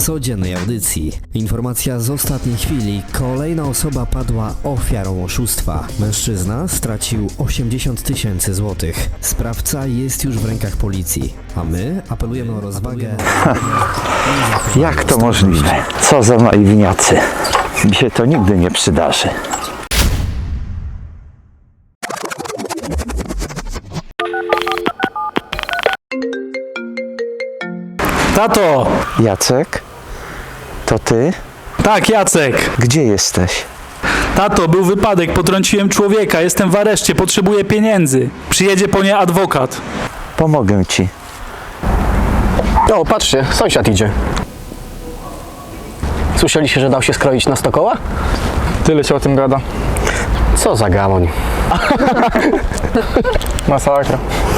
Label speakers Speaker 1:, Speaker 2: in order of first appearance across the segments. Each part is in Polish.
Speaker 1: codziennej audycji. Informacja z ostatniej chwili. Kolejna osoba padła ofiarą oszustwa. Mężczyzna stracił 80 000 złotych. Sprawca jest już w rękach policji, a my apelujemy o rozwagę.
Speaker 2: Jak to możliwe? Co za naiwniacy. Mi się to nigdy nie przydarzy.
Speaker 3: Tato!
Speaker 2: Jacek? To ty?
Speaker 3: Tak, Jacek!
Speaker 2: Gdzie jesteś?
Speaker 3: Tato, był wypadek, potrąciłem człowieka, jestem w areszcie, potrzebuję pieniędzy. Przyjedzie po nie adwokat.
Speaker 2: Pomogę ci.
Speaker 4: O, patrzcie, sąsiad idzie. Słyszeliście, że dał się skroić na 100 koła?
Speaker 5: Tyle się o tym gada.
Speaker 4: Co za gamoń.
Speaker 5: Masakra.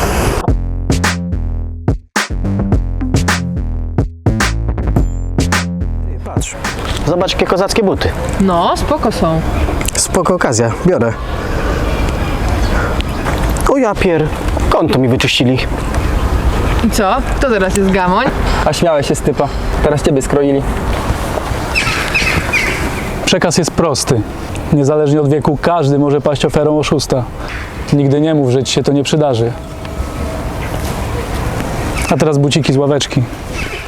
Speaker 4: Patrz, zobacz jakie kozackie buty.
Speaker 6: No, spoko są.
Speaker 4: Spoko okazja, biorę. O ja pier, konto mi wyczyścili.
Speaker 6: I co? Kto teraz jest gamoń?
Speaker 5: A śmiałeś się z typa. Teraz ciebie skroili.
Speaker 3: Przekaz jest prosty. Niezależnie od wieku każdy może paść ofiarą oszusta. Nigdy nie mów, że ci się to nie przydarzy. A teraz buciki z ławeczki.